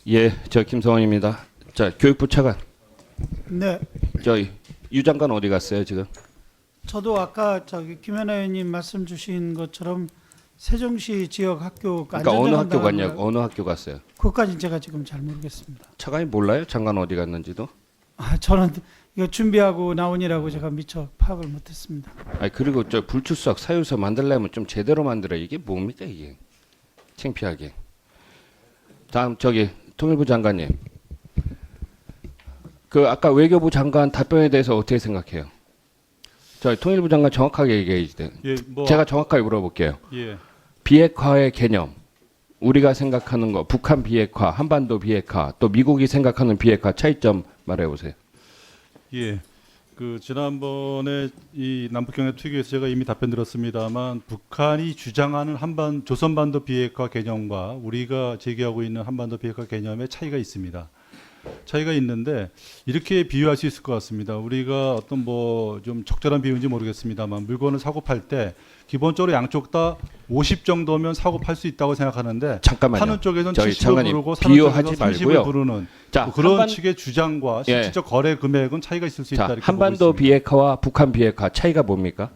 예, 저 김성원입니다. 자, 교육부 차관. 네, 저희 유 장관 어디 갔어요 지금? 저도 아까 김현아 의원님 말씀 주신 것처럼 세종시 지역 학교 그러니까 어느 학교 안전장관 갔냐고, 어느 학교 갔어요? 그것까지 제가 지금 잘 모르겠습니다. 차관이 몰라요? 장관 어디 갔는지도? 저는 이거 준비하고 나오니라고 제가 미처 파악을 못했습니다. 아니 그리고 저 불출석 사유서 만들려면 좀 제대로 만들어. 이게 뭡니까 이게? 창피하게. 다음 저기 통일부 장관님. 그 아까 외교부 장관 답변에 대해서 어떻게 생각해요? 저 통일부 장관 정확하게 얘기해야지 돼. 예, 제가 정확하게 물어볼게요. 예, 비핵화의 개념, 우리가 생각하는 거, 북한 비핵화, 한반도 비핵화, 또 미국이 생각하는 비핵화 차이점 말해보세요. 예. 그 지난번에 이 남북경협 특위에서 제가 이미 답변 드렸습니다만 북한이 주장하는 조선반도 비핵화 개념과 우리가 제기하고 있는 한반도 비핵화 개념의 차이가 있습니다. 차이가 있는데 이렇게 비유할 수 있을 것 같습니다. 우리가 어떤 뭐 좀 적절한 비유인지 모르겠습니다만 물건을 사고 팔 때 기본적으로 양쪽 다 50 정도면 사고 팔 수 있다고 생각하는데 잠깐만요. 파는 쪽에서는 저희 70을 장관님, 부르고 사는 비유하지 쪽에서 30을 말고요. 부르는 자, 뭐 그런 한반- 식의 주장과 예. 실질적 거래 금액은 차이가 있을 수 있다 자, 이렇게 한반도 보고 있습니다. 비핵화와 북한 비핵화 차이가 뭡니까?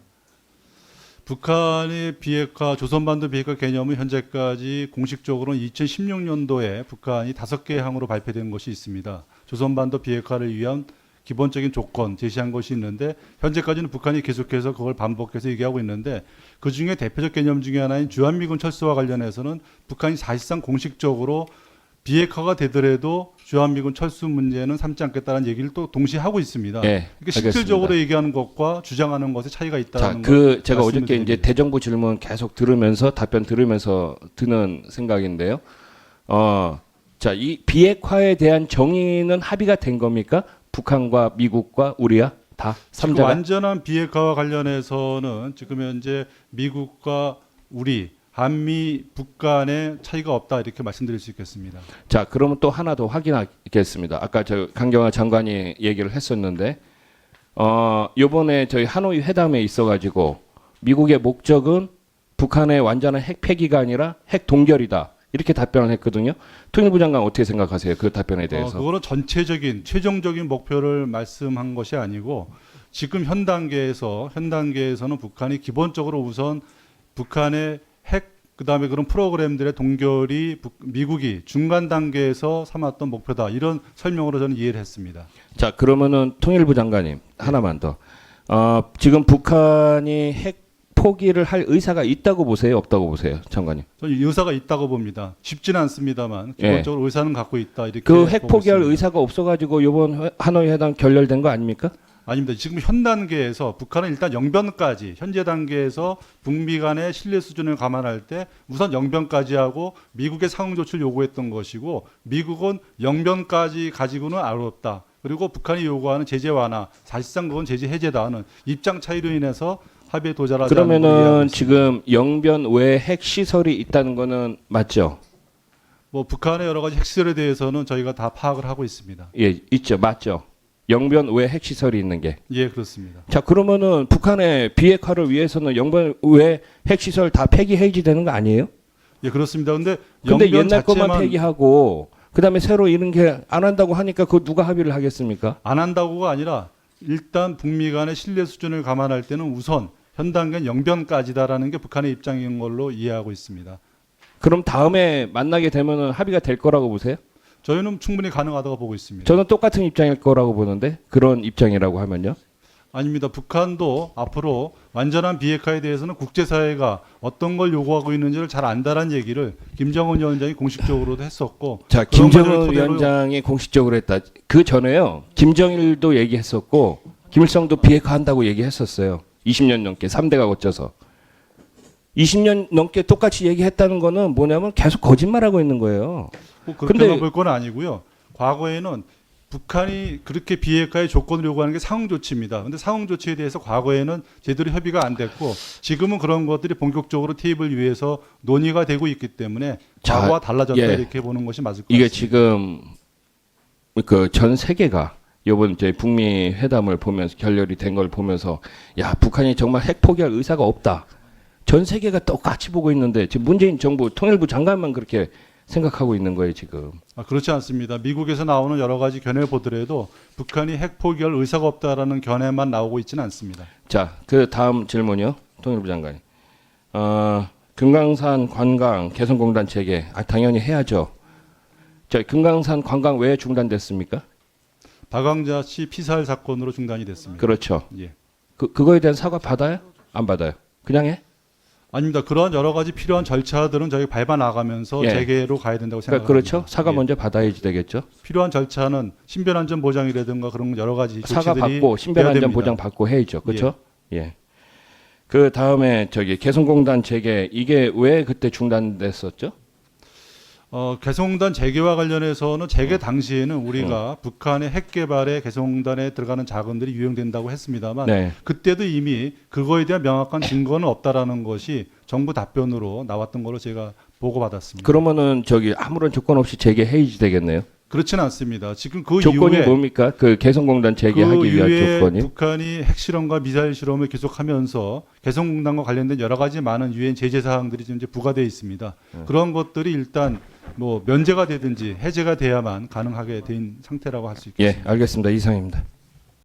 북한의 비핵화, 조선반도 비핵화 개념은 현재까지 공식적으로는 2016년도에 북한이 5개 항으로 발표된 것이 있습니다. 조선반도 비핵화를 위한 기본적인 조건 제시한 것이 있는데 현재까지는 북한이 계속해서 그걸 반복해서 얘기하고 있는데 그중에 대표적 개념 중에 하나인 주한미군 철수와 관련해서는 북한이 사실상 공식적으로 비핵화가 되더라도 주한미군 철수 문제는 삼지 않겠다는 얘기를 또 동시에 하고 있습니다. 예, 그러니까 실질적으로 얘기하는 것과 주장하는 것에 차이가 자, 있다는 그 제가 말씀을 어저께 이제 드립니다. 대정부 질문 계속 들으면서 답변 들으면서 드는 생각인데요. 자, 이 비핵화에 대한 정의는 합의가 된 겁니까? 북한과 미국과 우리야 다 지금 3자가? 완전한 비핵화와 관련해서는 지금 현재 미국과 우리 한미 북간의 차이가 없다 이렇게 말씀드릴 수 있겠습니다. 자, 그러면 또 하나 더 확인하겠습니다. 아까 저 강경화 장관이 얘기를 했었는데, 요번에 저희 하노이 회담에 있어가지고 미국의 목적은 북한의 완전한 핵 폐기가 아니라 핵 동결이다. 이렇게 답변을 했거든요. 통일부 장관 어떻게 생각하세요? 그 답변에 대해서. 그거는 전체적인 최종적인 목표를 말씀한 것이 아니고 지금 현 단계에서는 북한이 기본적으로 우선 북한의 핵 그다음에 그런 프로그램들의 동결이 미국이 중간 단계에서 삼았던 목표다 이런 설명으로 저는 이해를 했습니다. 자, 그러면은 통일부 장관님 하나만 더. 지금 북한이 핵 포기를 할 의사가 있다고 보세요? 없다고 보세요? 장관님. 저는 의사가 있다고 봅니다. 쉽지는 않습니다만 예. 기본적으로 의사는 갖고 있다 이렇게 그 핵 보고 포기할 있습니다. 의사가 없어가지고 이번 하노이 회담 결렬된 거 아닙니까? 아닙니다. 지금 현 단계에서 북한은 일단 영변까지 현재 단계에서 북미 간의 신뢰 수준을 감안할 때 우선 영변까지 하고 미국의 상응 조치를 요구했던 것이고 미국은 영변까지 가지고는 어렵다. 그리고 북한이 요구하는 제재 완화 사실상 그건 제재 해제다 하는 입장 차이로 인해서 합의에 도달하지 않은 걸로 이해하고 그러면은 있습니다. 지금 영변 외에 핵 시설이 있다는 거는 맞죠? 뭐 북한의 여러 가지 핵시설에 대해서는 저희가 다 파악을 하고 있습니다. 예, 있죠, 맞죠. 영변 외에 핵 시설이 있는 게. 예, 그렇습니다. 자, 그러면은 북한의 비핵화를 위해서는 영변 외에 핵 시설 다 폐기 해지되는 거 아니에요? 예, 그렇습니다. 근데 근데 영변 옛날 것만 자체만 폐기하고 그다음에 새로 이런 게 안 한다고 하니까 그거 누가 합의를 하겠습니까? 안 한다고가 아니라 일단 북미 간의 신뢰 수준을 감안할 때는 우선 현 단계는 영변까지다라는 게 북한의 입장인 걸로 이해하고 있습니다. 그럼 다음에 만나게 되면은 합의가 될 거라고 보세요? 저희는 충분히 가능하다고 보고 있습니다. 저는 똑같은 입장일 거라고 보는데 그런 입장이라고 하면요. 아닙니다. 북한도 앞으로 완전한 비핵화에 대해서는 국제사회가 어떤 걸 요구하고 있는지를 잘 안다라는 얘기를 김정은 위원장이 공식적으로도 했었고 자, 그런 것을 김정은 토대로 위원장이 공식적으로 했다. 그 전에요. 김정일도 얘기했었고 김일성도 비핵화한다고 얘기했었어요. 20년 넘게 3대가 거쳐서. 20년 넘게 똑같이 얘기했다는 거는 뭐냐면 계속 거짓말하고 있는 거예요. 뭐 그렇게 근데- 볼 건 아니고요. 과거에는 북한이 그렇게 비핵화의 조건을 요구하는 게 상응 조치입니다. 그런데 상응 조치에 대해서 과거에는 제대로 협의가 안 됐고 지금은 그런 것들이 본격적으로 테이블 위에서 논의가 되고 있기 때문에 자, 과거와 달라졌다 예. 이렇게 보는 것이 맞을 것 이게 같습니다. 지금 그 전 세계가 이번 이제 북미 회담을 보면서 결렬이 된 걸 보면서 야, 북한이 정말 핵 포기할 의사가 없다. 전 세계가 똑같이 보고 있는데 지금 문재인 정부 통일부 장관만 그렇게 생각하고 있는 거예요 지금. 그렇지 않습니다. 미국에서 나오는 여러 가지 견해를 보더라도 북한이 핵 포기할 의사가 없다라는 견해만 나오고 있지는 않습니다. 자, 그 다음 질문이요, 통일부 장관님. 금강산 관광 개성공단 재개, 당연히 해야죠. 저 금강산 관광 왜 중단됐습니까? 박광자 씨 피살 사건으로 중단이 됐습니다. 그렇죠. 예. 그거에 대한 사과 받아요? 안 받아요? 그냥 해? 아닙니다. 그러한 여러 가지 필요한 절차들은 저희 밟아 나가면서 예. 재개로 가야 된다고 그러니까 생각합니다. 그렇죠. 사과 예. 먼저 받아야지 되겠죠. 필요한 절차는 신변안전 보장이라든가 그런 여러 가지 사과 조치들이 받고 돼야 신변안전 됩니다. 보장 받고 해야죠. 그렇죠? 예. 그 다음에 저기 개성공단 재개 이게 왜 그때 중단됐었죠? 개성공단 재개와 관련해서는 재개 당시에는 우리가 북한의 핵 개발에 개성공단에 들어가는 자금들이 유용된다고 했습니다만 네. 그때도 이미 그거에 대한 명확한 증거는 없다라는 것이 정부 답변으로 나왔던 걸로 제가 보고받았습니다. 그러면은 저기 아무런 조건 없이 재개해야지 되겠네요. 그렇지는 않습니다. 지금 그 조건이 이후에 뭡니까? 그 개성공단 재개하기 위한 이후에 조건이? 북한이 핵실험과 미사일 실험을 계속하면서 개성공단과 관련된 여러 가지 많은 유엔 제재 사항들이 지금 이제 부과되어 있습니다. 그런 것들이 일단 뭐 면제가 되든지 해제가 돼야만 가능하게 된 상태라고 할 수 있겠습니다. 예, 알겠습니다. 이상입니다.